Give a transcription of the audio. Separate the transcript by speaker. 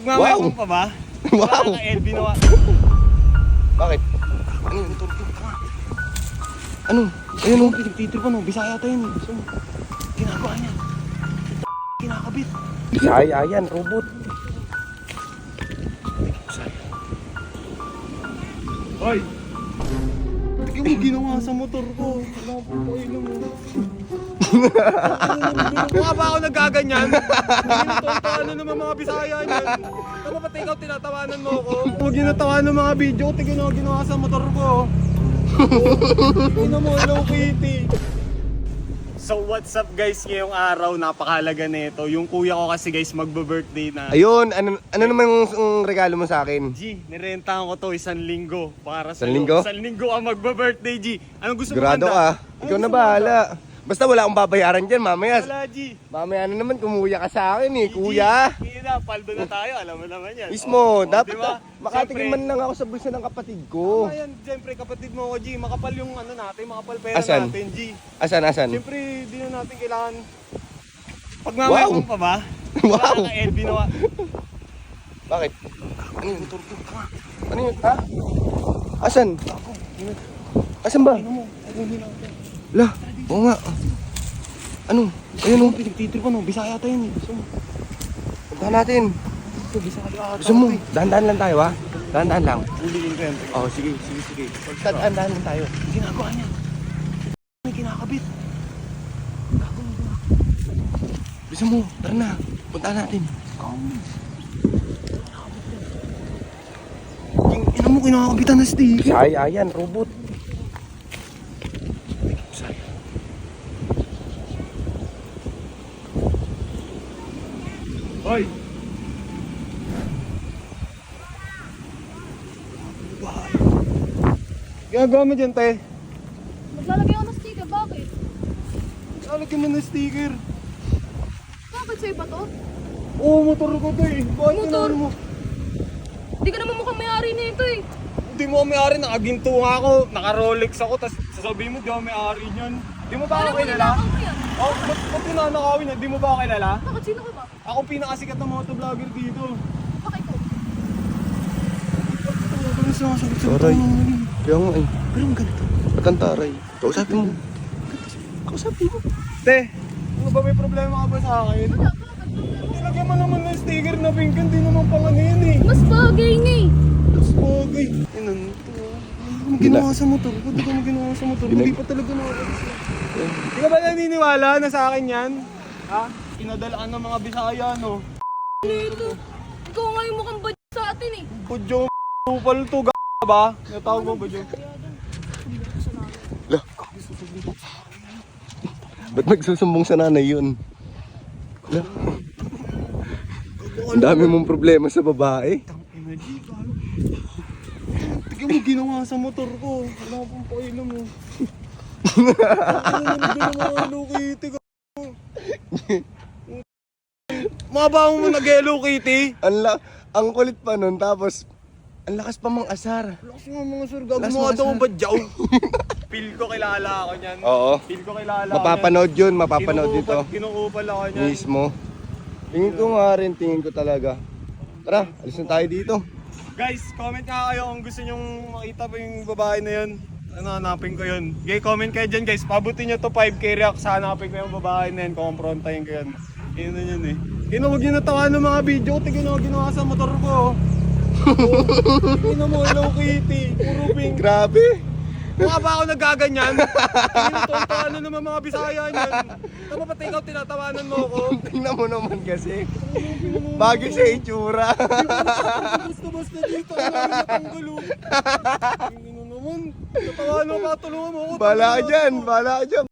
Speaker 1: Pagmamayabang pa ba?
Speaker 2: Wow!
Speaker 1: Wala ka LB na wa.
Speaker 2: Bakit?
Speaker 1: Ano yung turbo ka?
Speaker 2: Ano? Ayun o.
Speaker 1: Pinagtitripan o, Bisaya tayo yun. So, ginagawa niya. Kinakabit.
Speaker 2: Bisaya yan, robot.
Speaker 1: Hoy! Tignan mo ginawa sa motor ko. Wala po po ilong mo. Mukha ba ako nagaganyan? Ano naman mga Bisaya niyan? Tama pati ikaw tinatawanan mo ako? Huwag yung natawanan ng mga video. Tignan mo ginawa sa motor ko. Tignan mo, Hello Kitty. So what's up guys, ngayong araw napakahalaga nito. Yung kuya ko kasi guys magbe-birthday na.
Speaker 2: Ayun, ano naman yung regalo mo sa akin?
Speaker 1: G, nirentahan ko to 1 linggo para sa
Speaker 2: 1 linggo?
Speaker 1: 1 linggo ang magbe-birthday G. Anong gusto mo
Speaker 2: Sigurado
Speaker 1: handa?
Speaker 2: ka. Ikaw na bahala. Basta wala akong babayaran dyan, mamaya.
Speaker 1: Wala G.
Speaker 2: Mamaya na naman, kumuya ka sa akin eh, kuya.
Speaker 1: Hindi na, paldo na tayo, alam mo naman yan.
Speaker 2: Mismo, dapat
Speaker 1: diba?
Speaker 2: makatingin man lang ako sa bulsa ng kapatid ko.
Speaker 1: Ayan, siyempre kapatid mo ko G, makapal yung ano natin, makapal pera
Speaker 2: Asan?
Speaker 1: natin G.
Speaker 2: Asan?
Speaker 1: Siyempre, di na natin kailangan. Pagmamayabang pa ba?
Speaker 2: Wow!
Speaker 1: Wala ka LB na wa.
Speaker 2: Bakit?
Speaker 1: Ano yung turbo ka?
Speaker 2: Ano yun? Ha? Asan? Asan ba?
Speaker 1: Ano mo? Ano natin?
Speaker 2: Lah, oo nga. Ano? Ayun o.
Speaker 1: Pinagtitripan o, Bisaya tayo yun. So,
Speaker 2: Puntahan natin.
Speaker 1: Bisaya
Speaker 2: Gusto mo? Dahan-dahan lang tayo ha? Dahan-dahan lang.
Speaker 1: Uliin ko yan.
Speaker 2: Oh, sige. Dahan-dahan lang tayo.
Speaker 1: Ginagawa niya. May kinakabit.
Speaker 2: Gusto mo? Tara na. Puntahan natin.
Speaker 1: Ina mo, kinakabitan na sticker.
Speaker 2: Bisaya yan, robot.
Speaker 1: Hoy! Ginagawa mo dyan, te?
Speaker 3: Maglalagay ako ng sticker, bakit?
Speaker 1: Lalagyan mo ng sticker.
Speaker 3: Bakit sa'yo ba to?
Speaker 1: Oo, motor ko to eh. Bakit
Speaker 3: Motor?
Speaker 1: ginawa mo?
Speaker 3: Hindi ka naman mukhang may-ari nito eh.
Speaker 1: Hindi mo may-ari, nakaginto nga ako, naka-Rolex ako, tapos sasabihin mo di ako may-ari niyan. Di mo ba ako
Speaker 3: Alam mo,
Speaker 1: kilala?
Speaker 3: ninakaw mo yan.
Speaker 1: Oh, ba't tinanakawin niya? Di mo ba ako kilala?
Speaker 3: Bakit? Sino ka ba?
Speaker 1: Ako pinakasikat na motovlogger dito.
Speaker 3: Bakit ko?
Speaker 1: Ano sumasagot sa
Speaker 2: Taray.
Speaker 1: mga
Speaker 2: Kaya nga eh.
Speaker 1: Pero ang ganito.
Speaker 2: Ba't ang taray? Kausapin mo.
Speaker 1: Kausapin mo. Te, ano ba may problema ka ba sa akin?
Speaker 3: Wala, bakit?
Speaker 1: Nilagyan mo naman ng sticker na pink, hindi naman pang ano yun eh.
Speaker 3: Mas bagay nga eh.
Speaker 1: Mas bagay. Ano to? Ano ginawa sa motor ko? Di ka mo ginawa sa motor ko? Hindi pa talaga nakakalis. Di ka ba naniniwala na sa akin yan? Ha? Pinadalaan ng mga Bisaya, no?
Speaker 3: Nito. Ikaw nga yung mukhang badyo sa atin eh.
Speaker 1: Budyo, upal to, ba? Natawag mo, Budyo?
Speaker 2: Lah. Ba't nagsusumbong sa nanay yun? Lah. Ang dami mong problema sa babae.
Speaker 1: Tignan mo ginawa sa motor ko. Wala pong pakailan mo. Ano naman ginawa Hello Kitty ka? Mabaho mo nag-Hello Kitty?
Speaker 2: Ang kulit pa nun, tapos ang lakas pa mang asar.
Speaker 1: Lakas nga mga sir, gago
Speaker 2: Lakas
Speaker 1: mga
Speaker 2: mga
Speaker 1: daw
Speaker 2: sir.
Speaker 1: ba dyaw? Feel ko kilala ako niyan.
Speaker 2: Oo.
Speaker 1: Feel ko kilala ako
Speaker 2: Mapapanood yun, mapapanood dito.
Speaker 1: Kinuupal ako niyan.
Speaker 2: Mismo. Tingin ko nga rin, tingin ko talaga. Tara, alis na tayo dito.
Speaker 1: Guys, comment nga kayo kung gusto nyong makita pa yung babae na yun. Ano, hanapin ko yun. Okay, comment kayo dyan guys. Pabutin nyo to 5k reacts. Hanapin ko yung babae na yun. Kumprontahin ko yun. Yun na yun eh. Yun, huwag nyo natawa ng mga video. Tignan nyo ginawa sa motor ko. Tignan mo, Hello Kitty. Puro pink.
Speaker 2: Grabe.
Speaker 1: Mukha ba ako nagaganyan? Tignan mo, ano naman mga Bisaya niyan. Tama pati ikaw tinatawanan mo ako.
Speaker 2: Tingnan mo naman kasi. Bagay sa itsura.
Speaker 1: Basta dito, ano yung natanggal oh. Tingnan mo naman. Natawanan ka, tulungan mo ako.
Speaker 2: Bala ka dyan, bala ka dyan.